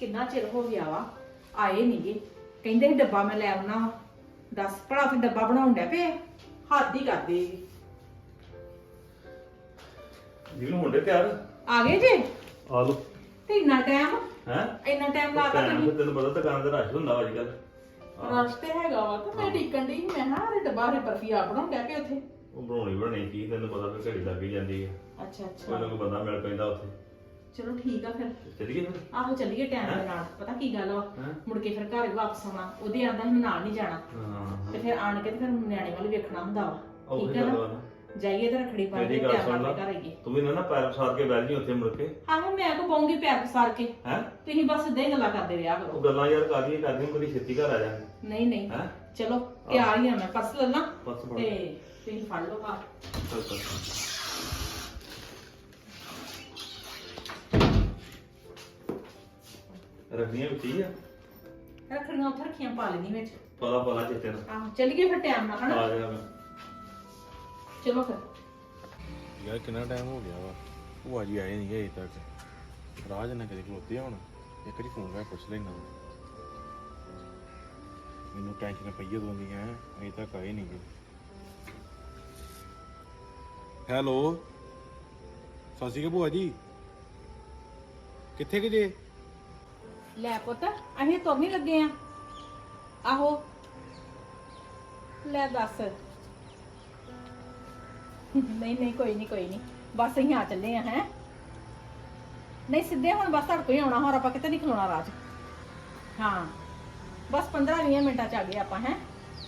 ਕਿੰਨਾ ਚਿਰ ਹੋ ਗਿਆ ਵਾ ਆਏ ਨਹੀਂਗੇ। ਕਹਿੰਦੇ ਸੀ ਡੱਬਾ ਮੈਂ ਲੈ ਆਉਣਾ ਵਾ। ਦੱਸ ਭਲਾ ਤੇ ਡੱਬਾ ਬਣਾਉਣ ਡੈ ਪਏ ਹੱਦ ਹੀ ਕਰਦੇ ਜੀ। ਜਿਹਨੂੰ ਮੁੰਡੇ ਤਿਆਰ ਆ ਗਏ ਜੇ ਆ ਲੋ ਤੇ ਇੰਨਾ ਟਾਈਮ ਹੈ ਇੰਨਾ ਟਾਈਮ ਲਾਤਾ ਤੁਸੀਂ। ਤੈਨੂੰ ਪਤਾ ਦੁਕਾਨ ਤੇ ਰਸ਼ ਹੁੰਦਾ ਅੱਜ ਕੱਲ ਰਸਤੇ ਹੈਗਾ ਵਾ ਤੇ ਮੈਂ ਟਿਕਣ ਦੀ ਮੈਂ ਨਾ ਇਹ ਡੱਬਾ ਰੇ ਬਰਫੀ ਆ ਬਣਾਉਣ ਡੈ ਪਏ ਉੱਥੇ। ਉਹ ਬਣਾਉਣੀ ਕੀ ਤੈਨੂੰ ਪਤਾ ਫਿਰ ਘੜੀ ਲੱਗ ਹੀ ਜਾਂਦੀ ਹੈ। ਅੱਛਾ ਅੱਛਾ ਕੋਈ ਨਾ ਕੋਈ ਬੰਦਾ ਮਿਲ ਪੈਂਦਾ ਉੱਥੇ। ਚਲੋ ਠੀਕ ਆ ਫਿਰ ਚੱਲੀਏ ਫਿਰ ਆਹੋ ਚੱਲੀਏ ਟਾਈਮ ਦੇ ਨਾਲ। ਪਤਾ ਕੀ ਗੱਲ ਵਾ ਮੁੜ ਕੇ ਫਿਰ ਘਰ ਵਾਪਸ ਆਉਣਾ। ਉਹਦੇ ਆਂਦਾ ਸੀ ਮੈਂ ਨਾਲ ਨਹੀਂ ਜਾਣਾ ਹਾਂ ਤੇ ਫਿਰ ਆਣ ਕੇ ਤੇ ਫਿਰ ਨਿਆਣੇ ਵੱਲ ਵੇਖਣਾ ਹੁੰਦਾ ਵਾ। ਉਹ ਠੀਕ ਵੀ ਹੈ ਗੱਲ ਨਾ ਵਾ ਨਾ। ਜਾਈਏ ਤੇ ਰੱਖੜੀ ਪਾ ਕੇ ਮੇਰੀ ਗੱਲ ਟਾਈਮ ਸੁਣ ਨਾਲ ਲਾ। ਘਰ ਆਈਏ। ਤੂੰ ਵੀ ਨਾ ਪੈਰ ਪਸਾਰ ਕੇ ਬੈਠ ਜੀ ਉੱਥੇ ਮੁੜ ਕੇ ਆਹੋ ਮੈਂ ਕੋ ਪਾਉਂਗੀ ਪੈਰ ਪਸਾਰ ਕੇ। ਹੈ ਤੁਸੀਂ ਬਸ ਸਿੱਧੇ ਹੀ ਗੱਲਾਂ ਕਰਦੇ ਰਿਹਾ ਕਰੋ। ਉਹ ਗੱਲਾਂ ਯਾਰ ਕਰਦੀਆਂ ਕਦੀ ਛੇਤੀ ਘਰ ਆ ਜਾ ਨਹੀਂ ਨਹੀਂ ਹੈ ਚਲੋ ਤਿਆਰ ਹੀ ਆ ਮੈਂ ਪਰਸ ਲੈ ਲਾਂ ਬਸ ਫੜ ਤੇ ਤੁਸੀਂ ਫੜ ਲਓ ਆ। ਚੱਲ ਚੱਲ ਰੱਖਣੀਆਂ ਵਿੱਚ ਹੀ ਆ ਰੱਖੜੀਆਂ ਉੱਥੇ ਰੱਖੀਆਂ ਪਾ ਲੈਣੀ ਵਿੱਚ। ਪਲਾ ਚਿੱਤੇ ਨਾਲ ਆਹੋ ਚੱਲੀਏ ਫਿਰ ਟਾਈਮ ਨਾਲ ਹਨਾ। ਆ ਜਾ ਮੈਂ ਚਲੋ ਫਿਰ ਯਾਰ ਕਿੰਨਾ ਟਾਈਮ ਹੋ ਗਿਆ ਵਾ ਭੂਆ ਜੀ ਆਏ ਨਹੀਂ ਅਜੇ ਤੱਕ। ਰਾਜ ਨਾ ਕਦੇ ਖਲੋਤੇ ਹੁਣ ਇੱਕ ਵਾਰੀ ਫੋਨ ਕਰ ਪੁੱਛ ਲੈਣਾ। ਮੈਨੂੰ ਟੈਨਸ਼ਨ ਪਈ ਉਦੋਂ ਦੀਆਂ ਅਜੇ ਤੱਕ ਆਏ ਨਹੀਂ ਗਏ। ਹੈਲੋ ਸਤਿ ਸ਼੍ਰੀ ਅਕਾਲ ਭੂਆ ਜੀ ਕਿੱਥੇ ਕਿ ਜੇ? ਲੈ ਪੁੱਤ ਅਸੀਂ ਤੁਰ ਨਹੀਂ ਲੱਗੇ ਆ। ਆਹੋ ਲੈ ਦੱਸ। ਨਹੀਂ ਨਹੀਂ ਕੋਈ ਨਹੀਂ ਬਸ ਅਸੀਂ ਆ ਚੱਲੇ ਆ। ਹੈ ਨਹੀਂ ਸਿੱਧੇ ਹੁਣ ਬਸ ਤੁਹਾਡੇ ਕੋਲ ਹੀ ਆਉਣਾ। ਹੋਰ ਆਪਾਂ ਕਿਤੇ ਨਹੀਂ ਖਲੋਣਾ ਰਾਜ। ਹਾਂ ਬਸ 15-20 ਮਿੰਟਾਂ ਚ ਆ ਗਏ ਆਪਾਂ। ਹੈ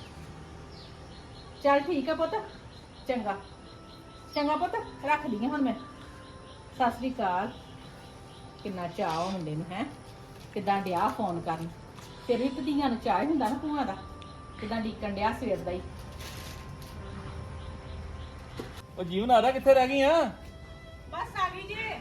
ਚੱਲ ਠੀਕ ਆ ਪੁੱਤ। ਚੰਗਾ ਚੰਗਾ ਪੁੱਤ ਰੱਖ ਲਈਏ ਹੁਣ ਮੈਂ। ਸਤਿ ਸ੍ਰੀ ਅਕਾਲ। ਕਿੰਨਾ ਚਾਅ ਮੁੰਡੇ ਨੂੰ ਹੈ ਕਿੱਦਾਂ ਡਿਆ ਫੋਨ ਕਰਨ। ਤੇਰੀ ਧੀਆਂ ਨੂੰ ਚਾਹ ਹੁੰਦਾ ਨਾ ਭੂਆ ਦਾ। ਕਿੱਦਾਂ ਡੀਕਣ ਡਿਆ ਸਵੇਰ ਦਾ ਹੀ। ਉਹ ਜੀਵਨ ਆ ਰਿਹਾ ਕਿੱਥੇ ਰਹਿ ਗਈ ਆ ਬਸ ਆ ਗਈ ਜੀ।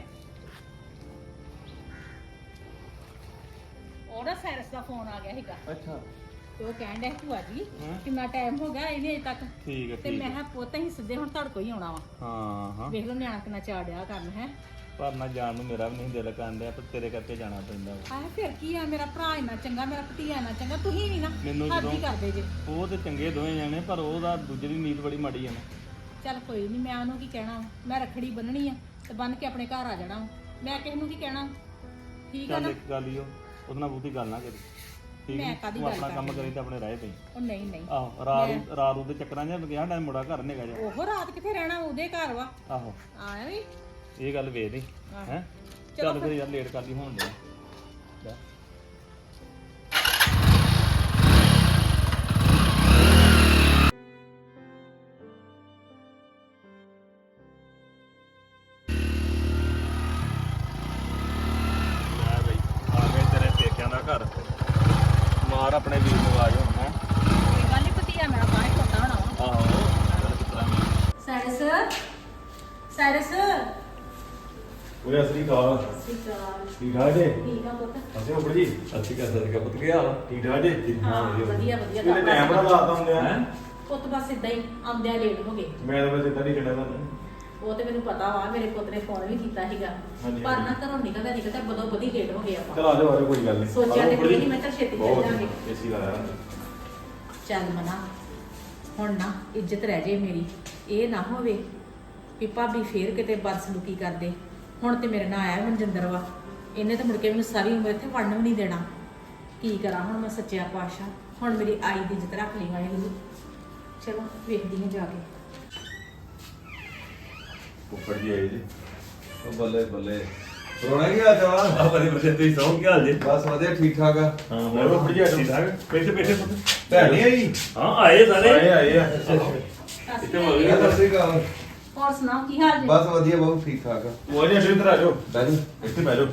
ਉਹਦਾ ਸੈਰਸ ਦਾ ਫੋਨ ਆ ਗਿਆ ਸੀਗਾ ਅੱਛਾ ਤੇ ਉਹ ਕਹਿਣ ਡਿਆ ਭੂਆ ਜੀ ਹਾਂ। ਕਿੰਨਾ ਟਾਈਮ ਹੋ ਗਿਆ ਇਹਨੇ ਅਜੇ ਤੱਕ। ਠੀਕ ਹੈ ਤੇ ਮੈਂ ਕਿਹਾ ਪੁੱਤ ਹੀ ਸਿੱਧੇ ਹੁਣ ਤੁਹਾਡੇ ਕੋਲ ਹੀ ਆਉਣਾ ਵਾ। ਹਾਂ ਵੇਖ ਲਓ ਨਿਆਣਾ ਕਿੰਨਾ ਚਾਅ ਡਿਆ ਕਰਨ। ਹੈ ਪਰ ਨਾ ਜਾਣ ਨੂੰ ਮੇਰਾ ਵੀ ਨਹੀਂ ਦਿਲ ਕਰਦਾ ਪਰ ਤੇਰੇ ਕਰਕੇ ਜਾਣਾ ਪੈਂਦਾ ਵਾ। ਆਹ ਫਿਰ ਕੀ ਆ ਮੇਰਾ ਭਰਾ ਇੰਨਾ ਚੰਗਾ ਮੇਰਾ ਭਤੀਆ ਇੰਨਾ ਚੰਗਾ ਤੁਸੀਂ ਵੀ ਨਾ ਮੈਨੂੰ ਹੱਦ ਹੀ ਜਦੋਂ- ਕਰਦੇ ਜੇ। ਉਹ ਤੇ ਚੰਗੇ ਦੋਵੇਂ ਜਾਣੇ ਪਰ ਉਹਦਾ ਦੂਜੇ ਦੀ ਨੀਤ ਬੜੀ ਮਾੜੀ ਆ ਨਾ। ਚੱਲ ਕੋਈ ਨਹੀਂ ਮੈਂ ਉਹਨੂੰ ਕੀ ਕਹਿਣਾ ਵਾ। ਮੈਂ ਰੱਖੜੀ ਬੰਨਣੀ ਆ ਤੇ ਬੰਨ ਕੇ ਆਪਣੇ ਘਰ ਆ ਜਾਣਾ ਵਾ। ਮੈਂ ਕਿਸੇ ਨੂੰ ਕੀ ਕਹਿਣਾ। ਠੀਕ ਆ ਚੱਲ ਨਾ। ਇੱਕ ਗੱਲ ਹੀ ਉਹਦੇ ਨਾਲ ਬਹੁਤੀ ਗੱਲ ਨਾ ਕਰੀ ਠੀਕ ਮੈਂ ਹੈ ਕਾਹਦੀ ਤੂੰ ਗੱਲ ਆਪਣਾ ਕੰਮ ਕਰਨੀ ਕਰੀ ਤੇ ਆਪਣੇ ਰਾਹ ਪਈ। ਉਹ ਨਹੀਂ ਨਹੀਂ ਆਹੋ ਰਾਤ ਦੇ ਚੱਕਰਾਂ 'ਚ ਗਿਆ ਟਾਈਮ ਮੁੰਡਾ ਘਰ ਨੇਗਾ ਜਾ। ਉਹ ਰਾਤ ਕਿੱਥੇ ਰਹਿਣਾ ਉਹਦੇ ਘਰ ਵਾ। ਆਹੋ ਆਇਆ ਵੀ ਇਹ ਗੱਲ ਵੇਖ ਲਈ ਆਹ। ਹੈ ਚਲੋ ਚੱਲ ਫਿਰ ਯਾਰ ਲੇਟ ਕਰਦੀ ਹੋਣ ਦੇ ਘਰ ਮਾਰ ਆਪਣੇ ਵੀਰ ਨੂੰ ਆਜੋ ਹੈ ਕੋਈ ਗੱਲ ਨਹੀਂ ਭਤੀਆ ਮੇਰਾ ਬਾਹਰ ਖੋਤਾ ਹੋਣਾ ਵਾ। ਆਹੋ ਚੱਲ ਕਿਤਰਾ ਸਾਇਰਸ ਸਾਇਰਸ ਉਰੇ ਅਸਲੀ ਕਾਲ ਸਿਕਾਰ ਠੀਕ ਠਾਕ ਜੇ ਠੀਕ ਆ ਪੁੱਤ। ਅਸੀਂ ਉੱਪਰ ਜੀ ਅੱਛੀ ਕਰ ਸਕਦਾ ਪੁੱਤ ਗਿਆ ਠੀਕ ਠਾਕ ਜੇ ਹਾਂ ਵਧੀਆ ਵਧੀਆ ਕਿਹਨੇ ਟਾਈਮ ਬੜਾ ਲਾਤਾ ਹੁੰਦੇ ਆ ਹੈ ਪੁੱਤ ਬਸ ਇਦਾਂ ਹੀ ਆਉਂਦਿਆਂ ਲੇਟ ਹੋ ਗਏ। ਮੈਂ ਤਾਂ ਬਸ ਇਦਾਂ ਨਹੀਂ ਕਹਿਣਾ ਤੁਹਾਨੂੰ ਉਹ ਤੇ ਮੈਨੂੰ ਪਤਾ ਵਾ ਮੇਰੇ ਪੁੱਤ ਨੇ ਫੋਨ ਵੀ ਕੀਤਾ ਸੀਗਾ ਹਾਂਜੀ, ਪਰ ਨਾ ਘਰੋਂ ਨਿਕਲਦਾ ਬਦੋ ਬਦੀ ਲੇਟ ਹੋ ਗਏ ਆਪਾਂ। ਚਲ ਆ ਜਾਓ ਕੋਈ ਗੱਲ ਨਹੀਂ ਸੋਚਿਆ ਤੇ ਨਹੀਂ ਮੈਂ ਤਾਂ ਛੇਤੀ ਚੱਲ ਜਾਾਂਗੇ। ਏਸੀ ਲਾਇਆ ਚੱਲ ਮਨਾ ਹੁਣ ਨਾ ਇੱਜ਼ਤ ਰਹਿ ਜੇ ਮੇਰੀ। ਇਹ ਨਾ ਹੋਵੇ ਵੀ ਭਾਬੀ ਫੇਰ ਕਿਤੇ ਬਦਸਲੂਕੀ ਕਰਦੇ। ਹੁਣ ਤੇ ਮੇਰੇ ਨਾਲ ਆਇਆ ਮਨਜਿੰਦਰ ਵਾ। ਇਹਨੇ ਤਾਂ ਮੁੜ ਕੇ ਮੈਨੂੰ ਸਾਰੀ ਉਮਰ ਇੱਥੇ ਵੜਨ ਵੀ ਨਹੀਂ ਦੇਣਾ। ਕੀ ਕਰਾਂ ਹੁਣ ਮੈਂ ਸੱਚਿਆ ਪਾਤਸ਼ਾਹ। ਹੁਣ ਮੇਰੀ ਆਈ ਦੀ ਇੱਜ਼ਤ ਰੱਖ ਲਈ ਵਾਹਿਗੁਰੂ। ਚਲੋ ਵੇਖਦੀ ਹਾਂ ਜਾ ਕੇ। ਉੱਪਰ ਜੀ ਆਏ ਜੀ ਉਹ ਬੱਲੇ ਬੱਲੇ ਰੋਣਾ ਕੀ ਆ ਜਵਾਨ ਆ ਬੜੇ ਬੜੇ ਤੁਸੀਂ ਸੌਂ ਕੀ ਹਾਲ ਜੀ ਬਸ ਵਧੀਆ ਠੀਕ ਠਾਕ ਆ ਹਾਂ ਹੋਰ ਉੱਪਰ ਜੀ ਠੀਕ ਠਾਕ ਬੈਠੇ ਪੁੱਤ ਭੈਣ ਨਹੀਂ ਆਈ ਹਾਂ ਆਏ ਸਾਰੇ ਆਏ ਆ ਇੱਥੇ ਹੋ ਗਈ ਸਤਿ ਸ਼੍ਰੀ ਅਕਾਲ ਹੋਰ ਸੁਣਾਓ ਕੀ ਹਾਲ ਜੀ? ਬਸ ਵਧੀਆ ਬਹੁਤ ਠੀਕ ਠਾਕ ਆ ਉਹ ਜੀ ਇੱਧਰ ਆ ਜਾਓ ਬੈਠੋ ਇੱਥੇ ਬਹਿ ਜਾਓ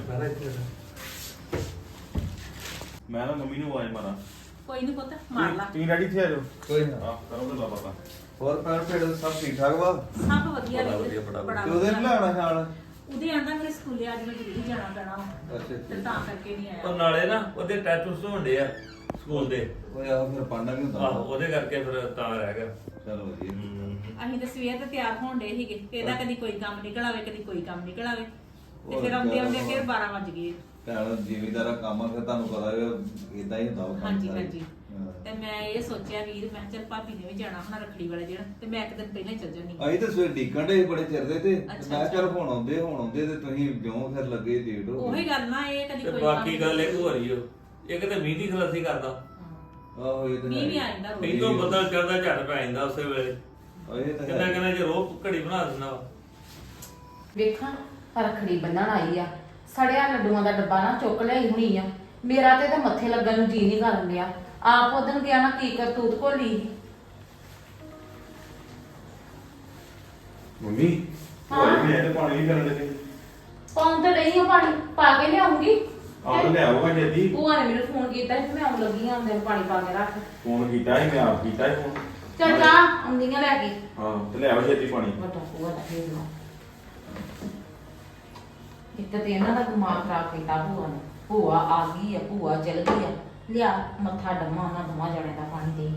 ਮੈਂ ਨਾ ਮੰਮੀ ਨੂੰ ਆਵਾਜ਼ ਮਾਰਾਂ ਕੋਈ ਨਹੀਂ ਪੁੱਤ ਮਾਰ ਲਾ। ਤੁਸੀਂ ਰੈਡੀ ਇੱਥੇ ਆ ਜਾਓ ਕੋਈ ਨਾ ਹਾਂ ਕਰੋ ਗੱਲਾਂ ਬਾਤਾਂ ਹੋਰ ਭੈਣ ਭੇੜ ਸਭ ਠੀਕ ਠਾਕ ਵਾ ਸਭ ਵਧੀਆ ਬੜਾ ਵੀਰ। ਵਧੀਆ, ਬੜਾ ਬੜਾ ਤੇ ਉਹਦੇ ਵਧੀਆ। ਲੈਣਾ ਖਿਆਲ ਉਹਦੇ ਆਂਦਾ ਮੇਰੇ ਸਕੂਲੇ ਅੱਜ ਮੈਂ ਜ਼ਰੂਰੀ ਜਾਣਾ ਪੈਣਾ ਵਾ। ਅੱਛਾ ਤੇ ਤਾਂ ਕਰਕੇ ਨਹੀਂ ਉਹ ਆਇਆ। ਨਾਲੇ ਨਾ ਉਹਦੇ ਟੈਟੂਸ ਹੁੰਦੇ ਆ ਸਕੂਲ ਦੇ ਓਏ ਆ ਫਿਰ ਪਾਂਡਾ ਵੀ ਹੁੰਦਾ ਆਹੋ ਉਹਦੇ ਕਰਕੇ ਫਿਰ ਤਾਂ ਰਹਿ ਗਿਆ ਚਲੋ ਵਧੀਆ ਅਸੀਂ ਤਾਂ ਸਵੇਰ ਤੇ ਤਿਆਰ ਹੋਣ ਡੇ ਸੀਗੇ ਤੇ ਇਹਦਾ ਕਦੀ ਕੋਈ ਕੰਮ ਨਿਕਲ ਆਵੇ ਕਦੀ ਕੋਈ ਕੰਮ ਨਿਕਲ ਆਵੇ ਤੇ ਫਿਰ ਹੋਰ ਆਉਂਦੇ ਆਉਂਦੇ ਕਿਆ ਫਿਰ 12 ਵਜ ਗਏ। ਭੈਣ ਜ਼ਿਮੀਦਾਰਾ ਕੰਮ ਆ ਫਿਰ ਤੁਹਾਨੂੰ ਪਤਾ ਇਦਾਂ ਹੀ ਹੁੰਦਾ ਵਾ ਕੰਮ ਹਾਂਜੀ ਸਾਰੇ। ਹਾਂਜੀ ਹਾਂ। ਤੇ ਮੈਂ ਇਹ ਸੋਚਿਆ ਵੀਰ ਮੈਂ ਕਿਹਾ ਚੱਲ ਭਾਬੀ ਨੇ ਵੀ ਜਾਣਾ ਹੁਣ ਰੱਖੜੀ ਵਾਲੇ ਦਿਨ ਤੇ ਮੈਂ ਇੱਕ ਦਿਨ ਪਹਿਲਾਂ ਹੀ ਚੱਲ ਜਾਣੀ ਅਸੀਂ ਤਾਂ ਸਵੇਰ ਡੀਕਣ ਦੇ ਬੜੇ ਚਿਰ ਦੇ ਤੇ ਅੱਛਾ, ਮੈਂ ਅੱਛਾ। ਚੱਲ ਹੁਣ ਆਉਂਦੇ ਤੇ ਤੁਸੀਂ ਜਿਉਂ ਫਿਰ ਲੱਗੇ ਡੇਟ ਹੋ ਉਹੀ ਗੱਲ ਨਾ ਇਹ ਕਦੀ ਤੇ ਕੋਈ ਬਾਕੀ ਗੱਲ ਇੱਕ ਹੋ ਰਹੀ ਓ ਇੱਕ ਤੇ ਮੀਂਹ ਦੀ ਖਲਾਸੀ ਕਰਦਾ ਆਹੋ ਇਹ ਤਾਂ ਮੀਂਹ ਵੀ ਹੈ। ਆ ਜਾਂਦਾ ਰੋਜ਼ ਪਹਿਲੋਂ ਬੱਦਲ ਚੜਦਾ ਝੜ ਪੈ ਜਾਂਦਾ ਉਸੇ ਵੇਲੇ ਇਹ ਤਾਂ ਕਿੰਨਾ ਹੈ। ਕਿੰਨਾ ਜੇ ਰੋਹ ਘੜੀ ਬਣਾ ਦਿੰਦਾ ਵਾ ਵੇਖਾਂ ਰੱਖੜੀ ਬੰਨਣ ਆਈ ਆ ਸੜਿਆ ਲੱਡੂਆਂ ਦਾ ਡੱਬਾ ਨਾ ਚੁੱਕ ਲਿਆਈ ਹੁਣੀ ਆ ਮੇਰਾ ਤੇ ਮੱਥੇ ਲੱਗਣ ਨੂੰ ਜੀ ਨਹੀਂ ਕਰਨ ਲਿਆ ਆਪ ਉਦਣ ਗਿਆ ਨਾ ਕੀ ਕਰਤੂਤ ਘੋਲੀ ਮੰਮੀ ਭਾਈ ਮੈਂ ਤੇ ਪਾਣੀ ਨਹੀਂ ਕਰਨ ਦੇ ਪਾਉਣ ਤਾਂ ਨਹੀਂ ਆ ਪਾਣੀ ਪਾ ਕੇ ਲਿਆਉਂਗੀ ਆਪ ਲੈ ਆਊਗਾ ਜੱਦੀ ਭੂਆ ਨੇ ਮੈਨੂੰ ਫੋਨ ਕੀਤਾ ਸੀ ਮੈਂ ਆਉਣ ਲੱਗੀ ਆਂ ਉਹਦੇ ਪਾਣੀ ਪਾ ਕੇ ਰੱਖ ਫੋਨ ਕੀਤਾ ਸੀ ਮੈਂ ਆਪ ਕੀਤਾ ਸੀ ਫੋਨ ਚੱਲ ਜਾ ਆਉਂਦੀਆਂ ਲੈ ਕੇ ਹਾਂ ਤੇ ਲੈ ਆਓ ਜੱਦੀ ਪਾਣੀ ਵੱਡਾ ਭੂਆ ਦਾ ਫੇਰ ਲਓ ਇੱਕ ਤੇ ਇਹਨਾਂ ਦਾ ਦਿਮਾਗ ਖਰਾਬ ਕੀਤਾ ਭੂਆ ਨੇ ਭੂਆ ਆ ਗਈ ਆ ਭੂਆ ਚਲ ਗਈ ਆ ਲਿਆ ਮੱਥਾ ਡੰਮਾ ਉਹਨਾਂ ਦੋਵਾਂ ਜਣੇ ਦਾ ਪਾਣੀ ਦੇ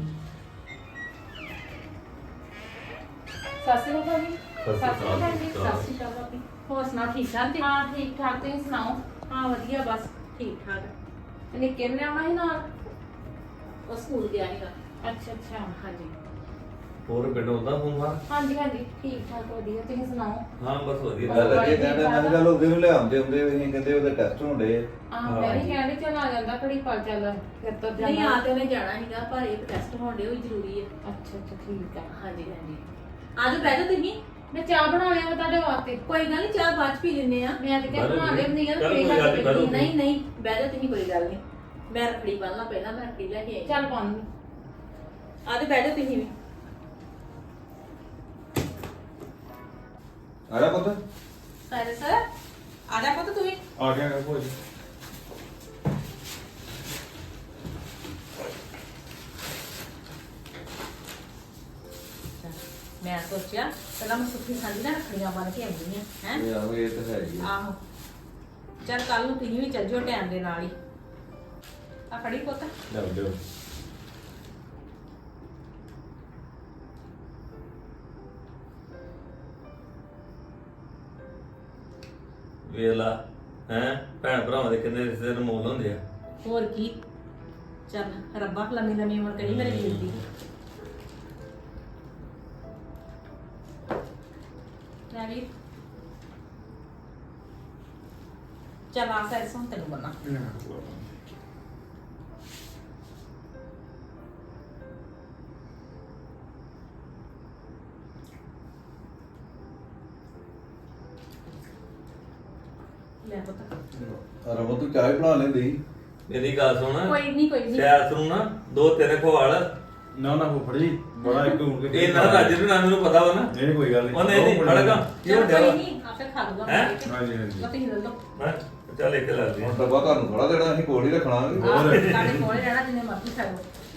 ਸਤਿ ਸ਼੍ਰੀ ਅਕਾਲ ਜੀ ਸਤਿ ਸ਼੍ਰੀ ਅਕਾਲ ਜੀ। ਸਤਿ ਸ਼੍ਰੀ ਅਕਾਲ ਭਾਬੀ ਹੋਰ ਸੁਣਾ ਠੀਕ ਠਾਕ ਜੀ ਹਾਂ ਠੀਕ ਠਾਕ ਤੁਸੀਂ ਸੁਣਾਓ ਹਾਂ ਵਧੀਆ ਬਸ ਠੀਕ ਠਾਕ ਨਿੱਕੇ ਨੇ ਆਉਣਾ ਸੀ ਨਾਲ ਉਹ ਸਕੂਲ ਗਿਆ ਸੀਗਾ ਅੱਛਾ ਅੱਛਾ ਹਾਂਜੀ ਹੋਰ ਪਿੰਡ ਹੁੰਦਾ ਫੋਨ ਮਾਰ ਹਾਂਜੀ ਹਾਂਜੀ ਠੀਕ ਠਾਕ ਵਧੀਆ ਤੁਸੀਂ ਸੁਣਾਓ ਹਾਂ ਬਸ ਵਧੀਆ ਗੱਲ ਅੱਗੇ ਕਹਿੰਦੇ ਮੈਂ ਕਿਹਾ ਚੱਲ ਉਹਦੇ ਨੂੰ ਲਿਆਉਂਦੇ ਹੁੰਦੇ ਅਸੀਂ ਕਹਿੰਦੇ ਉਹਦੇ ਟੈਸਟ ਹੁੰਦੇ ਆ ਆਹ ਮੈਂ ਵੀ ਕਹਿੰਦੀ ਚੱਲ ਆ ਜਾਂਦਾ ਘੜੀ ਪਲ ਚੱਲ ਫਿਰ ਤਾਂ ਨਹੀਂ ਜਾਣਾ ਆ ਤੇ ਉਹਨੇ ਜਾਣਾ ਸੀਗਾ ਪਰ ਇੱਕ ਟੈਸਟ ਹੋਣ ਦੇ ਉਹ ਜ਼ਰੂਰੀ ਹੈ ਅੱਛਾ ਅੱਛਾ ਠੀਕ ਆ ਹਾਂਜੀ ਹਾਂਜੀ ਆ ਜਾਓ ਬਹਿ ਜਾਓ ਤੁਸੀਂ ਮੈਂ ਚਾਹ ਬਣਾ ਲਿਆ ਵਾ ਤੁਹਾਡੇ ਵਾਸਤੇ ਕੋਈ ਗੱਲ ਨਹੀਂ ਚਾਹ ਬਾਅਦ ਚ ਪੀ ਲੈਂਦੇ ਆ ਮੈਂ ਤੇ ਕਿਹਾ ਬਹਿ ਜਾਓ ਬਣਾ ਲੈਂਦੀ ਆ ਚੱਲ ਤੇ ਕੋਈ ਗੱਲ ਨੀ, ਬਹਿ ਜਾਓ। ਨਹੀਂ ਨਹੀਂ ਬਹਿ ਜਾਓ ਤੁਸੀਂ ਕੋਈ ਗੱਲ ਨਹੀਂ ਮੈਂ ਰੱਖੜੀ ਬੰਨ੍ਹਣਾ ਪਹਿਲਾਂ ਮੈਂ ਰੱਖੜੀ ਲੈ ਕੇ ਆਈ ਚੱਲ ਪਾਉਂ ਆ ਤੇ ਬਹਿ ਜਾਓ ਤੁਸੀਂ ਵੀ ਆ ਜਾ ਪੁੱਤ ਸਾਰੇ ਸਰ ਆ ਜਾ ਪੁੱਤ ਤੂੰ ਵੀ ਆ ਗਿਆ ਭੂਆ ਜੀ ਮੈਂ ਸੋਚਿਆ ਪਹਿਲਾਂ ਮੈਂ ਸੁੱਖੀ ਸਾਂਝੀ ਨਾਲ ਰੱਖੜੀਆਂ ਬੰਨ ਕੇ ਆਉਂਦੀ ਆ ਹੈ ਇਹ ਆਹੋ ਇਹ ਤਾਂ ਹੈ ਹੀ ਆ। ਆਹੋ ਚੱਲ ਕੱਲ ਨੂੰ ਤੁਸੀਂ ਵੀ ਚੱਲ ਜਿਓ ਟਾਈਮ ਦੇ ਨਾਲ ਹੀ ਆ ਫੜੀ ਪੁੱਤ ਲੈ ਦਿਓ ਵੇਲਾ ਹੈ ਭੈਣ ਭਰਾਵਾਂ ਦੇ ਕਿੰਨੇ ਰਿਸ਼ਤੇ ਅਨਮੋਲ ਹੁੰਦੇ ਆ ਹੋਰ ਕੀ ਚੱਲ ਰੱਬਾ ਲੰਮੀ ਲੰਮੀ ਉਮਰ ਕਰੀ ਮੇਰੇ ਵੀਰ ਦੀ ਲੈ ਵੀਰ ਚੱਲ ਆ ਸਰਸੋਂ ਤੈਨੂੰ ਬਣਾ ਲੈ ਪੁੱਤ ਰਮਨ ਤੂੰ ਚਾਹ ਹੀ ਬਣਾ ਲੈਂਦੀ ਮੇਰੀ ਗੱਲ ਸੁਣ ਕੋਈ ਨਹੀਂ ਕੋਈ ਨਹੀਂ ਸਿਆਸ ਨੂੰ ਨਾ ਦੋ ਤਿੰਨ ਖਵਾਲ ਨਾ ਨਾ ਫੁੱਫੜ ਜੀ ਬੜਾ ਇੱਕ ਹੁਣ ਕੇ ਇਹ ਨਾ ਰਾਜੇ ਨੂੰ ਨਾ ਮੈਨੂੰ ਪਤਾ ਵਾ ਨਾ ਨਹੀਂ ਕੋਈ ਗੱਲ ਨਹੀਂ ਉਹ ਨਹੀਂ ਫੜਗਾ ਕੀ ਹੋ ਚੱਲ ਕੋਈ ਗਿਆ ਨਹੀਂ ਆਪੇ ਖਾ ਲੂਗਾ ਹੈਂ? ਹਾਂਜੀ ਹਾਂਜੀ ਲੋ ਤੁਸੀਂ ਲੈ ਲਓ ਹਾਂ ਚੱਲ ਇੱਕ ਲੈ ਲਈ ਹੁਣ ਡੱਬਾ ਤੁਹਾਨੂੰ ਥੋੜਾ ਦੇਣਾ ਅਸੀਂ ਕੋਲ ਹੀ ਰੱਖਣਾ ਆਹ ਸਾਡੇ ਕੋਲ ਰਹਿਣਾ ਜਿੰਨੇ ਮਰਜ਼ੀ ਖਾਓ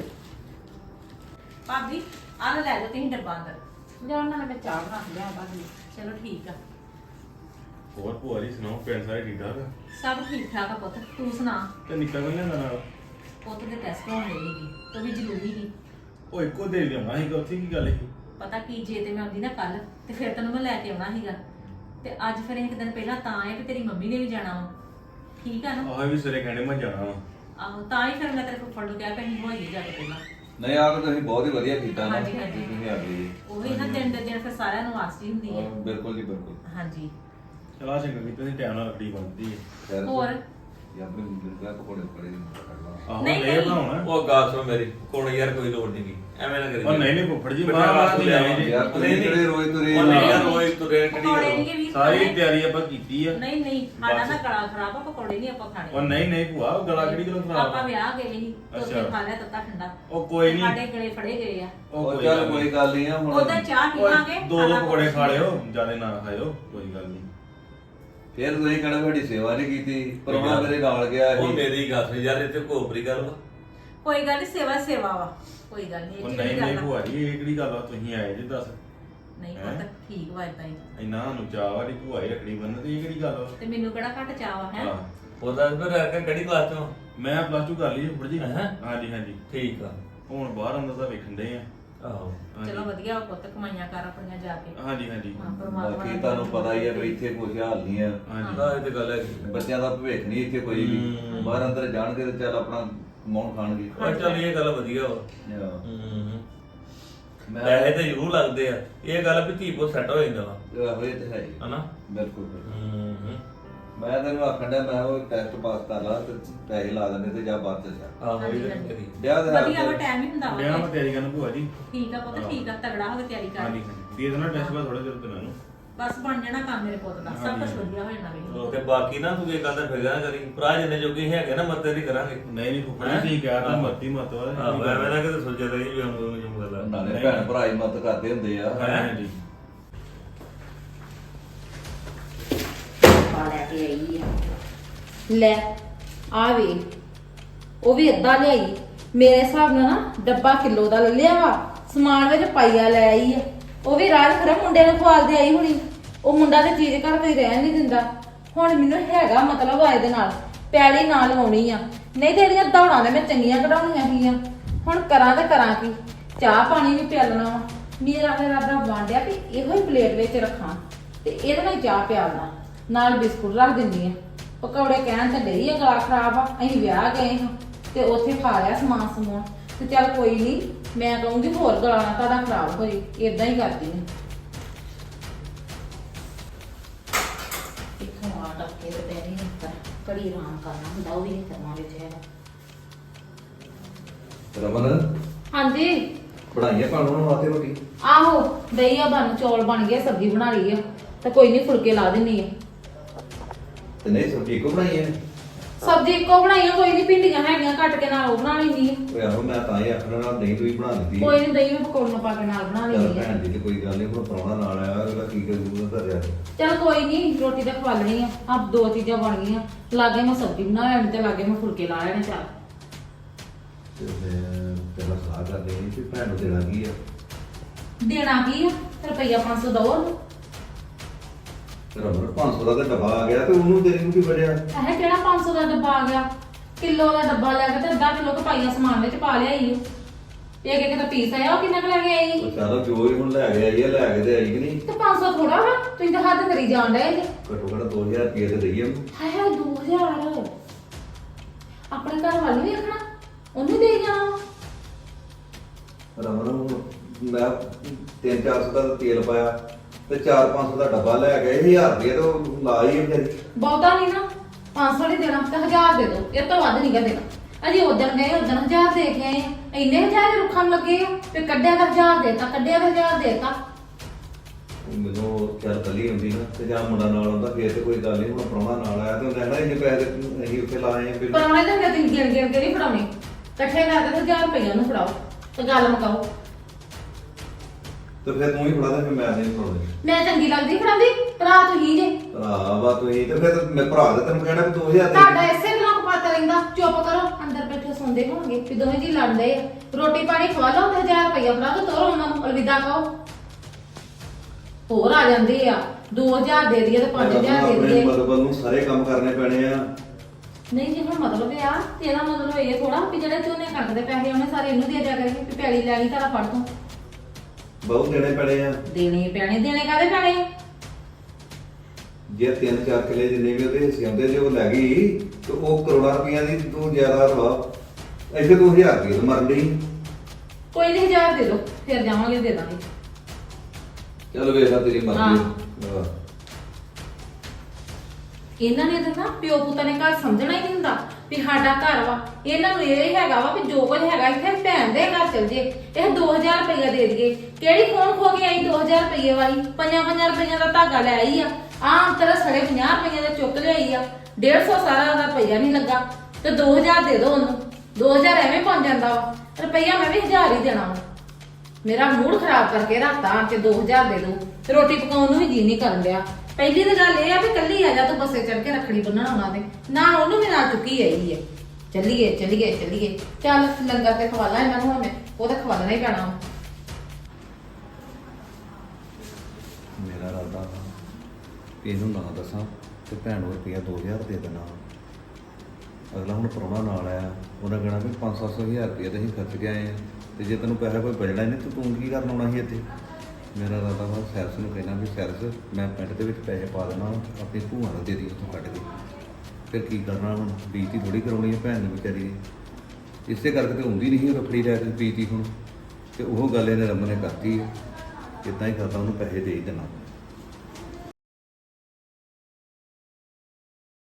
ਭਾਬੀ ਆਹ ਲੈ ਜਾਓ ਤੁਸੀਂ ਡੱਬਾ ਅੰਦਰ ਜਾਂ ਉਹਨਾਂ ਨੇ ਮੈਂ ਚਾਹ ਬਣਾ ਲਿਆ ਬਾਅਦ ਚਲੋ ਠੀਕ ਆ ਹੋਰ ਭੂਆ ਜੀ ਸੁਣਾਓ ਪਿੰਡ ਸਾਰੇ ਠੀਕ ਠਾਕ ਆ? ਸਭ ਠੀਕ ਠਾਕ ਆ ਪੁੱਤ ਤੂੰ ਸੁਣਾ ਤੇ ਨਿੱਕਾ ਕੋਈ ਲੈਂਦਾ ਨਾਲ ਪੁੱਤ ਦੇ ਟੈਸਟ ਹੋਣ ਲੱਗੇ ਸੀ ਤੂੰ ਵੀ ਜ਼ਰੂਰੀ ਸੀ ਉਹ ਇੱਕੋ ਦੇ ਲਿਆਉਣਾ ਸੀਗਾ ਉੱਥੇ ਕੀ ਗੱਲ ਸੀ ਪਤਾ ਕੀ ਜੇ ਤੇ ਮੈਂ ਆਉਂਦੀ ਨਾ ਕੱਲ ਤੇ ਫਿਰ ਤੈਨੂੰ ਮੈਂ ਲੈ ਕੇ ਆਉਣਾ ਸੀਗਾ ਤੇ ਅੱਜ ਫਿਰ ਇੱਕ ਦਿਨ ਪਹਿਲਾਂ ਤਾਂ ਆਏ ਕਿ ਤੇਰੀ ਮੰਮੀ ਨੇ ਵੀ ਜਾਣਾ ਵਾ ਠੀਕ ਆ ਨਾ ਆਹ ਵੀ ਸਵੇਰੇ ਕਹਿੰਦੇ ਮੈਂ ਜਾਣਾ ਵਾ ਆਹੋ ਤਾਂ ਹੀ ਫਿਰ ਮੈਂ ਤੇਰੇ ਫੁੱਫੜ ਨੂੰ ਕਿਹਾ ਪੈਣੀ ਹੋਈ ਜਾ ਕੇ ਪਹਿਲਾਂ ਨਹੀਂ ਆ ਤਾਂ ਤੁਸੀਂ ਬਹੁਤ ਹੀ ਵਧੀਆ ਕੀਤਾ ਨਾ ਹਾਂਜੀ, ਹਾਂਜੀ। ਤੁਸੀਂ ਆ ਗਏ ਉਹੀ ਨਾ ਦਿਨ ਦੇ ਦਿਨ ਫਿਰ ਸਾਰਿਆਂ ਨੂੰ ਆਸਤੀ ਹੁੰਦੀ ਹੈ ਬਿਲਕੁਲ ਜੀ ਬਿਲਕੁਲ ਹਾਂਜੀ ਚਲਾ ਚੰਗਾ ਕੀਤਾ ਤੁਸੀਂ ਟਾਈਮ ਨਾਲ ਲੱਕੜੀ ਬੰਨਦੀ ਹੈ ਖੈਰ ਹੋਰ ਜਾਂ ਆਪਣੇ ਮੁੰਡੇ ਨੂੰ ਪਕੌੜੇ ਪੜੇ ਆਹੋ ਨਹੀਂ, ਲੈ ਨਹੀਂ। ਬਣਾਉਣਾ ਉਹ ਗੱਲ ਸੁਣ ਮੇਰੀ ਕੋਣ ਯਾਰ ਕੋਈ ਲੋੜ ਨਹੀਂ ਗੀ ਐਵੇਂ ਨਾ ਕਰੀ ਉਹ ਨਹੀਂ ਨਹੀਂ ਫੁੱਫੜ ਜੀ ਬਿਠਾ ਬਾਹਰ ਵਾਸਤੇ ਨਹੀਂ ਆਏ ਜੀ ਯਾਰ ਤੁਸੀਂ ਕਿਹੜੇ ਰੋਜ਼ ਤੁਰੇ ਉਹ ਨਹੀਂ ਯਾਰ ਰੋਜ਼ ਤੁਰੇ ਕਿਹੜੀ ਪਕੌੜੇ ਗੱਲ ਨਹੀਂ ਗੇ ਵੀਰ ਸਾਰੀ ਖਾਣੇ। ਤਿਆਰੀ ਆਪਾਂ ਕੀਤੀ ਆ ਨਹੀਂ ਨਹੀਂ ਸਾਡਾ ਬਸ। ਨਾ ਗਲਾ ਖਰਾਬ ਆ ਪਕੌੜੇ ਨਹੀਂ ਆਪਾਂ ਉਹ ਖਾਣੇ ਨਹੀਂ ਨਹੀਂ ਭੂਆ ਗਲਾ ਕਿਹੜੀ ਗੱਲੋਂ ਖਰਾਬ ਆਪਾਂ ਆ? ਵਿਆਹ ਗਏ ਸੀ ਉੱਥੇ ਅੱਛਾ। ਖਾ ਲਿਆ ਤੱਤਾ ਠੰਡਾ ਉਹ ਕੋਈ ਨਹੀਂ ਸਾਡੇ ਗਲੇ ਫੜੇ ਗਏ ਆ ਉਹ ਚੱਲ ਕੋਈ ਗੱਲ ਨਹੀਂ ਆ ਹੁਣ ਉਹਦਾ ਚਾਹ ਪੀਵਾਂਗੇ ਦੋ ਖਾਣਾ ਪਕੌੜੇ ਖਾ ਕੁਛ ਲਿਓ ਜਿਆਦਾ ਨਾ ਖਾਇਓ ਕੋਈ ਗੱਲ ਨਹੀਂ ਫਿਰ ਤੁਸੀਂ ਕਹਿੰਦੇ ਤੁਹਾਡੀ ਸੇਵਾ ਨਹੀਂ ਕੀਤੀ ਪਰਵਾਹ ਮੇਰੇ ਨਾਲ ਗਿਆ ਉਹ ਸੀ ਮੇਰੀ ਗੱਲ ਸੁਣ ਯਾਰ ਇੱਥੇ ਕੋਪਰੀ ਗੱਲ ਵਾ ਕੋਈ ਗੱਲ ਨਹੀਂ ਸੇਵਾ ਸੇਵਾ ਵਾ ਕੋਈ ਗੱਲ ਨਹੀਂ ਉਹ ਇਹ ਨਹੀਂ ਕਿਹੜੀ ਨਹੀਂ ਗੱਲ ਆ। ਭੂਆ ਜੀ ਇਹ ਕਿਹੜੀ ਗੱਲ ਆ ਤੁਸੀਂ ਆਏ ਜੀ ਦੱਸ ਨਹੀਂ ਹੈਂ? ਪਤਾ ਠੀਕ ਵਾ ਇਦਾਂ ਹੀ ਇੰਨਾ ਨੂੰ ਚਾਹ ਵਾਲੀ ਭੂਆ ਹੀ ਰੱਖਣੀ ਬੰਨ ਤੇ ਇਹ ਕਿਹੜੀ ਗੱਲ ਆ ਤੇ ਮੈਨੂੰ ਕਿਹੜਾ ਘੱਟ ਚਾਹ ਵਾ ਹੈ ਹਾਂ ਉਹਦਾ ਫਿਰ ਆ ਕੇ ਕਿਹੜੀ ਕਲਾਸ ਤੋਂ ਮੈਂ ਪਲੱਸ 2 ਕਰ ਲਈ ਫੁੱਫੜ ਜੀ ਹੈਂ? ਹਾਂਜੀ ਹਾਂਜੀ ਠੀਕ ਆ ਹੁਣ ਬਾਹਰ ਅੰਦਰ ਦਾ ਵੇਖਣ ਦੇ ਆ ਆਹੋ ਚਲੋ ਵਧੀਆ ਪੁੱਤ ਕਮਾਈਆਂ ਕਰ ਆਪਣੀਆਂ ਜਾ ਕੇ ਹਾਂਜੀ ਹਾਂਜੀ ਹਾਂ ਪਰਮਾਤਮਾ ਬਾਕੀ ਨੇ ਤੁਹਾਨੂੰ ਪਤਾ ਹੀ ਆ ਵੀ ਇੱਥੇ ਕੁਝ ਹਾਲ ਨਹੀਂ ਆ ਹਾਂਜੀ ਆਹ ਇਹ ਤੇ ਗੱਲ ਹੈ ਬੱਚਿਆਂ ਦਾ ਭਵਿੱਖ ਨਹੀਂ ਇੱਥੇ ਕੋਈ ਵੀ ਬਾਹਰ ਅੰਦਰ ਜਾਣਗੇ ਤੇ ਚੱਲ ਆਪਣਾ ਕਮਾਉਣ ਖਾਣਗੇ ਪਰ ਚੱਲ ਇਹ ਗੱਲ ਵਧੀਆ ਵਾ ਹਾਂ। ਹੂੰ ਮੈਂ ਪੈਸੇ ਤੇ ਜ਼ਰੂਰ ਲੱਗਦੇ ਆ ਇਹ ਗੱਲ ਵੀ ਧੀ ਪੁੱਤ ਸੈੱਟ ਹੋ ਜਾਂਦਾ ਵਾ ਆਹੋ ਇਹ ਤੇ ਹੈ ਹੀ। ਹਨਾ ਬਿਲਕੁਲ ਬਿਲਕੁਲ। ਹੂੰ ਮੈਂ ਤੈਨੂੰ ਆਖਣ ਡਿਆ ਮੈਂ ਉਹ ਟੈਸਟ ਪਾਸ ਕਰ ਲਾ ਤੇ ਪੈਸੇ ਲਾ ਦਿੰਦੇ ਤੇ ਜਾ ਬਾਹਰ ਚੱਲ ਜਾ ਆਹੋ ਹਾਂਜੀ, ਇਹ ਹਾਂਜੀ। ਕਰੀ ਵਿਆਹ ਦੇ ਵਧੀਆ ਵਾ ਟਾਈਮ ਹੀ ਹੁੰਦਾ ਵਿਆਹ ਵਾ ਮੈਂ ਤਿਆਰੀ ਕਰਨ ਭੂਆ ਜੀ ਠੀਕ ਆ ਪੁੱਤ ਠੀਕ ਆ ਤਗੜਾ ਹੋ ਕੇ ਤਿਆਰੀ ਕਰ ਹਾਂਜੀ ਹਾਂਜੀ ਦੇ ਦੇਣਾ ਟੈਸਟ ਬਾਅਦ ਥੋੜੇ ਦਿਨ ਤੇ ਮੈਨੂੰ ਬਸ ਬਣ ਜਾਣਾ ਕੰਮ ਮੇਰੇ ਪੁੱਤ ਦਾ ਸਭ ਕੁਝ ਹਾਂਜੀ। ਵਧੀਆ ਹੋ ਜਾਣਾ ਵੇਖ ਤੇ ਬਾਕੀ ਨਾ ਤੂੰ ਇਹ ਗੱਲ ਦਾ ਫਿਕਰ ਨਾ ਕਰੀ ਭਰਾ ਜਿੰਨੇ ਜੋਗੇ ਹੈਗੇ ਨਾ ਮੱਤੇ ਦੀ ਕਰਾਂਗੇ ਨਹੀਂ ਨਹੀਂ ਫੁੱਫੜ ਜੀ ਤੁਸੀਂ ਕਹਿ ਤਾ ਮੱਤੀ ਮੱਤ ਵਾ ਆਹੋ ਐਵੇਂ ਨਾ ਕਿਤੇ ਸੋਚਿਆ ਰਹੀ ਵੀ ਹਮ ਜਮ ਗੱਲਾਂ ਨਾਲੇ ਭੈਣ ਭਰਾ ਹੀ ਮਦਦ ਕਰਦੇ ਹੁੰਦੇ ਆ ਹਾਂਜੀ ਪਾ ਲੈ ਕੇ ਆਈ ਆ ਲੈ ਆ ਵੇ ਉਹ ਵੀ ਅੱਧਾ ਲਿਆਈ ਮੇਰੇ ਹਿਸਾਬ ਨਾਲ ਨਾ ਡੱਬਾ ਕਿਲੋ ਦਾ ਲੈ ਲਿਆ ਵਾ ਸਮਾਨ ਵਿੱਚ ਪਾਈਆ ਲੈ ਆਈ ਆ ਉਹ ਵੀ ਰਾਤ ਖਰਾ ਮੁੰਡੇ ਨੂੰ ਖਵਾਲਦੇ ਆਈ ਹੁਣੀ ਉਹ ਮੁੰਡਾ ਤੇ ਚੀਜ਼ ਘਰ ਕੋਈ ਰਹਿਣ ਨਹੀਂ ਦਿੰਦਾ ਹੁਣ ਮੈਨੂੰ ਹੈਗਾ ਮਤਲਬ ਆ ਇਹਦੇ ਨਾਲ ਪੈਲੀ ਨਾਲ ਲਵਾਉਣੀ ਆ ਨਹੀਂ ਤੇ ਇਹਦੀਆਂ ਦੌੜਾਂ ਨੇ ਮੈਂ ਚੰਗੀਆਂ ਕਢਾਉਣੀਆਂ ਸੀਗੀਆਂ ਹੁਣ ਕਰਾਂ ਤੇ ਕਰਾਂ ਕੀ ਚਾਹ ਪਾਣੀ ਵੀ ਪਿਆਲਣਾ ਵਾ ਮੇਰਾ ਫਿਰ ਰੱਦਾ ਵਾਂਡਿਆ ਵੀ ਇਹੋ ਹੀ ਪਲੇਟ ਵਿੱਚ ਰੱਖਾਂ ਤੇ ਇਹਦੇ ਨਾਲ ਚਾਹ ਪਿਆਲਣਾ ਨਾਲ ਬਿਸਕੁਟ ਰੱਖ ਦਿੰਦੀ ਆ ਪਕੌੜੇ ਕਹਿਣ ਤੇ ਡਈ ਆ ਗਲਾ ਖਰਾਬ ਆ ਅਸੀਂ ਵਿਆਹ ਗਏ ਹਾਂ ਤੇ ਉੱਥੇ ਖਾ ਲਿਆ ਸਮਾਨ ਸਮੂਨ ਤੇ ਚੱਲ ਕੋਈ ਨਹੀਂ ਮੈਂ ਕਹੂੰਗੀ ਹੋਰ ਗਲਾ ਨਾ ਤੁਹਾਡਾ ਖਰਾਬ ਹੋਏ ਇਦਾਂ ਹੀ ਕਰਦੀ ਨੇ ਇੱਥੋਂ ਆ ਟੱਕੇ ਤੇ ਬੈਣੀ ਹੁੰਦਾ ਕੜੀ ਆਰਾਮ ਕਰਨਾ ਹੁੰਦਾ ਉਹ ਵੀ ਨਹੀਂ ਕਰਨਾ ਵਿੱਚ ਹੈਗਾ ਰਮਨ ਹਾਂਜੀ ਬਣਾਈਏ ਪਾਣ ਨੂੰ ਵਾਸਤੇ ਰੋਟੀ ਆਹੋ ਦਹੀਂ ਆ ਬਣ ਚੌਲ ਬਣ ਗਏ ਸਬਜ਼ੀ ਬਣਾ ਲਈ ਆ ਤੇ ਕੋਈ ਨਹੀਂ ਫੁਲਕੇ ਲਾ ਦਿੰਨੀ ਆ ਤੇ ਨਹੀਂ ਸਬਜ਼ੀ ਕੋ ਬਣਾਈਏ ਸਬਜ਼ੀ ਇੱਕੋ ਬਣਾਈ ਆ ਕੋਈ ਨਹੀਂ ਭਿੰਡੀਆਂ ਹੈਗੀਆਂ ਕੱਟ ਕੇ ਨਾਲ ਉਹ ਬਣਾ ਲੈਂਦੀ ਆ ਓਏ ਆਹੋ ਮੈਂ ਤਾਂ ਹੀ ਆਖਣਾ ਨਾਲ ਦਹੀਂ ਤੂੰ ਹੀ ਬਣਾ ਦਿੱਤੀ ਕੋਈ ਨਹੀਂ ਦਹੀਂ ਮੈਂ ਪਕੌੜੀਆਂ ਪਾ ਕੇ ਨਾਲ ਬਣਾ ਚੱਲ ਲੈਂਦੀ ਆ ਭੈਣ ਦੀ ਤੇ ਕੋਈ ਗੱਲ ਨਹੀਂ ਹੁਣ ਪ੍ਰਾਹੁਣਾ ਨਾਲ ਆਇਆ ਅਗਲਾ ਕੀ ਕਰੂ ਘਰ ਜਾ ਕੇ ਚਲ ਕੋਈ ਨਹੀਂ ਰੋਟੀ ਤਾਂ ਖਵਾ ਲੈਣੀ ਆ ਆਪ ਦੋ ਚੀਜ਼ਾਂ ਬਣ ਗਈਆਂ ਲਾਗੇ ਮੈਂ ਸਬਜ਼ੀ ਬਣਾ ਲੈਣੀ ਤੇ ਲਾਗੇ ਮੈਂ ਫੁਲਕੇ ਲਾ ਲੈਣੇ ਚੱਲ ਤੇ ਮੈਂ ਪਹਿਲਾਂ ਸਲਾਹ ਕਰ ਲਈ ਕਿ ਭੈਣ ਨੂੰ ਦੇਣਾ ਕੀ ਆ ਦੇਣਾ ਕੀ ਆ ਰੁਪਈਆ 500 ਦੋ ਉਹਨੂੰ ਰਮਨ 500 ਦਾ ਤਾਂ ਡੱਬਾ ਆ ਗਿਆ ਤੇ ਉਹਨੂੰ ਤੇਰੀ ਨੂੰ ਕੀ ਵੜਿਆ ਇਹ ਕਿਹੜਾ 500 ਦਾ ਡੱਬਾ ਆ ਗਿਆ ਕਿਲੋ ਦਾ ਡੱਬਾ ਲੈ ਕੇ ਤੇ ਅੱਧਾ ਕਿਲੋ ਕਪਾਈਆ ਸਮਾਨ ਵਿੱਚ ਪਾ ਲਿਆਈ ਉਹ ਇੱਕ ਇੱਕ ਤਾਂ ਪੀਸ ਆਇਆ ਉਹ ਕਿੰਨਾ ਕੁ ਲੈ ਕੇ ਆਈ ਉਹ ਚੱਲ ਜੋ ਹੀ ਹੁਣ ਲੈ ਕੇ ਆਈ ਆ ਲੈ ਕੇ ਤੇ ਆਈ ਕਿ ਨਹੀਂ ਤੇ 500 ਥੋੜਾ ਵਾ ਤੁਸੀਂ ਤਾਂ ਹੱਦ ਕਰੀ ਜਾਣ ਡਏ ਜੇ ਘੱਟੋ ਘੱਟ 2000 ਰੁਪਏ ਤੇ ਦਈਏ ਉਹਨੂੰ। ਹਾਏ ਹਾਏ 2000 ਆਪਣੇ ਘਰ ਵਾਲੀ ਵੀ ਰੱਖਣਾ ਉਹਨੂੰ ਦੇ ਜਾਣਾ ਰਮਨ ਹੁਣ ਮੈਂ 300-400 ਦਾ ਤੇਲ ਪਾਇਆ ਤੇ 4-500 ਦਾ ਡੱਬਾ ਲੈ ਗਏ 1000 ਰੁਪਏ ਤੇ ਉਹ ਲਾ ਹੀ ਵਿਚਾਰੀ ਬਹੁਤਾ ਨਹੀਂ ਨਾ 500 ਨਹੀਂ ਦੇਣਾ ਤਾਂ 1000 ਦੇ ਦੋ ਇਹ ਤੋਂ ਵੱਧ ਨਹੀਂ ਗਾ ਦੇਣਾ ਅਜੇ ਉਦੋਂ ਗਏ ਉਦੋਂ 1000 ਦੇ ਕੇ ਆਏ ਆ। ਇੰਨੇ ਹਜ਼ਾਰ ਦੇ ਰੁੱਖਾਂ ਨੂੰ ਲੱਗੇ ਆ ਤੇ ਕੱਢਿਆ ਤਾਂ 1000 ਦੇਤਾ ਕੱਢਿਆ ਤਾਂ 1000 ਦੇਤਾ ਮੈਨੂੰ ਚੱਲ ਕੱਲੀ ਹੁੰਦੀ ਨਾ ਤੇ ਜਾਂ ਮੁੰਡਾ ਨਾਲ ਆਉਂਦਾ ਫੇਰ ਤੇ ਕੋਈ ਗੱਲ ਨਹੀਂ ਹੁਣ ਪ੍ਰਾਹੁਣਾ ਨਾਲ ਆਇਆ ਤੇ ਉਹ ਕਹਿੰਦਾ ਇੰਨੇ ਪੈਸੇ ਅਸੀਂ ਉੱਥੇ ਲਾਏ ਆ ਫਿਰ ਪਰੌਣੇ ਦੇ ਹੁੰਦੇ ਤੁਸੀਂ ਗਿਣ ਗਿਣ ਕੇ ਨਹੀਂ ਫੜਾਉਣੇ ਇਕੱਠੇ ਕਰਕੇ ਤੇ 1000 ਰੁਪਈਆ ਨੂੰ ਫੜਾਓ ਤੇ ਗੱਲ ਮੁਕਾਓ ਤੇ ਫਿਰ ਤੂੰ ਹੀ ਫੜਾ ਦੇ ਫਿਰ ਮੈਂ ਨਹੀਂ ਫੜਾਉਂਦਾ ਮੈਂ ਚੰਗੀ ਲੱਗਦੀ ਫੜਾਉਂਦੀ ਭਰਾ ਤੁਸੀਂ ਜੇ ਭਰਾ ਵਾ ਤੂੰ ਹੀ ਤੇ ਫਿਰ ਮੈਂ ਭਰਾ ਦੇ ਤੈਨੂੰ ਕਹਿਣਾ ਵੀ 2000 ਤੁਹਾਡਾ ਦੇ ਇਸੇ ਤਰ੍ਹਾਂ ਕਪਾਤਾ ਰਹਿੰਦਾ ਚੁੱਪ ਕਰੋ ਅੰਦਰ ਬੈਠੇ ਸੌਂਦੇ ਹੋਣਗੇ ਵੀ ਦੋਵੇਂ ਜੀ ਲੜਦੇ ਆ ਰੋਟੀ ਪਾਣੀ ਖਵਾ ਲਓ ਤੇ 1000 ਰੁਪਈਆ ਫੜਾ ਦੋ ਤੋਰੋ ਉਹਨਾਂ ਨੂੰ ਅਲਵਿਦਾ ਕਹੋ ਹੋਰ ਆ ਜਾਂਦੇ ਆ 2000 ਦੇ ਦਈਏ ਤੇ 5000 ਦੇ ਆਪਣੇ ਦਈਏ ਮਤਲਬ ਨੂੰ ਸਾਰੇ ਕੰਮ ਕਰਨੇ ਪੈਣੇ ਆ ਨਹੀਂ ਜੀ ਹੁਣ ਮਤਲਬ ਇਹ ਆ ਤੇ ਇਹਦਾ ਮਤਲਬ ਇਹ ਥੋੜਾ ਵੀ ਜਿਹੜੇ ਝੋਨੇ ਕਣਕ ਦੇ ਪੈਸੇ ਉਹਨੇ ਸਾਰੇ ਇਹਨੂੰ ਦੇ ਦਿਆ ਕਰੇ ਵੀ ਪੈਲੀ ਲੈ ਲਈ ਤਾਰਾ ਫੜ ਤੂੰ ਬਹੁਤ ਦੇਣੇ ਪੈਣੇ ਆ ਦੇਣੇ ਦੇਣੇ ਕਾਹਦੇ ਪੈਣੇ ਆ? ਜੇ 3-4 ਕਿਲੇ ਜਿੰਨੇ ਵੀ ਉਹਦੇ ਹਿੱਸੇ ਆਉਂਦੇ ਜੇ ਉਹ ਲੈ ਗਈ ਤੇ ਉਹ ਕਰੋੜਾਂ ਰੁਪਈਆ ਦੀ ਤੂੰ ਜ਼ਿਆਦਾ ਰਵਾ ਇੱਥੇ ਤੂੰ 1000 ਰੁਪਏ ਮਰਨ ਡਈ ਕੋਈ ਨਹੀਂ 1000 ਦੇ ਦੋ ਫਿਰ ਜਾਵਾਂਗੇ ਦੇ ਦਾਂਗੇ ਚੱਲ ਵੇਖਾ ਤੇਰੀ ਮਰਜ਼ੀ ਹਾਂ। ਇਹਨਾਂ ਨੇ ਤਾਂ ਨਾ ਪਿਓ ਪੁੱਤਾਂ ਨੇ ਘਰ ਸਮਝਣਾ ਹੀ ਨਹੀਂ ਹੁੰਦਾ ਵੀ ਸਾਡਾ ਘਰ ਵਾ ਇਹਨਾਂ ਨੂੰ ਇਹ ਹੀ ਹੈਗਾ ਵਾ ਵੀ ਜੋ ਕੁਝ ਹੈਗਾ ਇੱਥੇ ਭੈਣ ਦੇ ਘਰ ਚਲ ਜੇ ਇਹ 2000 ਰੁਪਇਆ ਦੇ ਦਈਏ ਕਿਹੜੀ ਕੌਣ ਖੋ ਕੇ ਆਈ 2000 ਰੁਪਏ ਵਾਲੀ 5-5 ਰੁਪਈਆ ਦਾ ਧਾਗਾ ਲੈ ਆਈ ਆ ਆਮ ਤਰ੍ਹਾਂ ਸੜੇ 50 ਰੁਪਈਆ ਦਾ ਚੁੱਕ ਲਿਆਈ ਆ 150 ਸਾਰਾ ਦਾ ਰੁਪਈਆ ਨਹੀਂ ਲੱਗਾ ਤੇ 2000 ਦੇ ਦੋ ਉਹਨੂੰ 2000 ਐਵੇਂ ਪਹੁੰਚ ਜਾਂਦਾ ਵਾ ਰੁਪਈਆ ਮੈਂ ਵੀ 1000 ਹੀ ਦੇਣਾ ਵਾ ਮੇਰਾ ਮੂਡ ਖਰਾਬ ਕਰਕੇ ਰੱਖਤਾ ਕਿ 2000 ਦੇ ਦੋ ਤੇ ਰੋਟੀ ਪਕਾਉਣ ਨੂੰ ਵੀ ਜੀ ਨਹੀਂ ਕਰਨ ਡਿਆ ਪਹਿਲੀ ਤਾਂ ਗੱਲ ਇਹ ਆ ਵੀ ਕੱਲੀ ਆ ਜਾ ਤੂੰ ਬੱਸੇ ਚੜ ਕੇ ਰੱਖੜੀ ਬੰਨਣ ਆਉਣਾ ਤੇ ਨਾ ਉਹਨੂੰ ਵੀ ਨਾਲ ਚੁੱਕੀ ਆਈ ਹੈ ਚੱਲੀਏ ਚੱਲੀਏ ਚੱਲੀਏ ਚੱਲ ਲੰਗਰ ਤੇ ਖਵਾ ਲਾ ਇਹਨਾਂ ਨੂੰ ਹੁਣ ਮੈਂ ਉਹ ਤਾਂ ਖਵਾਉਣਾ ਹੀ ਪੈਣਾ ਮੇਰਾ ਰਾਦਾ ਇਹਨੂੰ ਨਾ ਦੱਸਾਂ ਤੇ ਭੈਣ ਨੂੰ ਰੁਪਈਆ 2000 ਦੇ ਦੇਣਾ ਅਗਲਾ ਹੁਣ ਪ੍ਰਾਹੁਣਾ ਨਾਲ ਆਇਆ ਉਹਨਾਂ ਕਹਿਣਾ ਵੀ 500-700 ਹਜ਼ਾਰ ਰੁਪਈਆ ਤੇ ਅਸੀਂ ਖਰਚ ਕੇ ਆਏ ਆ ਤੇ ਜੇ ਤੈਨੂੰ ਪੈਸਾ ਕੋਈ ਬਚਣਾ ਹੀ ਨਹੀਂ ਤਾਂ ਤੂੰ ਕੀ ਕਰਨ ਆਉਣਾ ਸੀ ਇੱਥੇ। ਮੇਰਾ ਇਰਾਦਾ ਵਾ ਸੈਰਸ ਨੂੰ ਕਹਿਣਾ ਵੀ ਸੈਰਸ ਮੈਂ ਪਿੰਡ ਦੇ ਵਿੱਚ ਪੈਸੇ ਪਾ ਦੇਣਾ, ਆਪਣੀ ਭੂਆ ਨੂੰ ਦੇ ਦੀ ਉੱਥੋਂ ਕੱਢ ਕੇ। ਫਿਰ ਕੀ ਕਰਨਾ ਹੁਣ, ਬੀਤੀ ਥੋੜੀ ਕਰਾਉਣੀ ਹੈ ਭੈਣ ਨੂੰ ਵਿਚਾਰੀ ਨੇ। ਇਸੇ ਕਰਕੇ ਤੇ ਹੁੰਦੀ ਨਹੀਂ ਰੱਖੜੀ ਲੈ ਕੇ ਬੀਤੀ ਹੁਣ, ਤੇ ਉਹ ਗੱਲ ਇਹਨੇ ਰਮਨ ਨੇ ਕਰਤੀ ਹੈ। ਇੱਦਾਂ ਹੀ ਕਰਦਾ ਉਹਨੂੰ ਪੈਸੇ ਦੇ ਹੀ ਦੇਣਾ।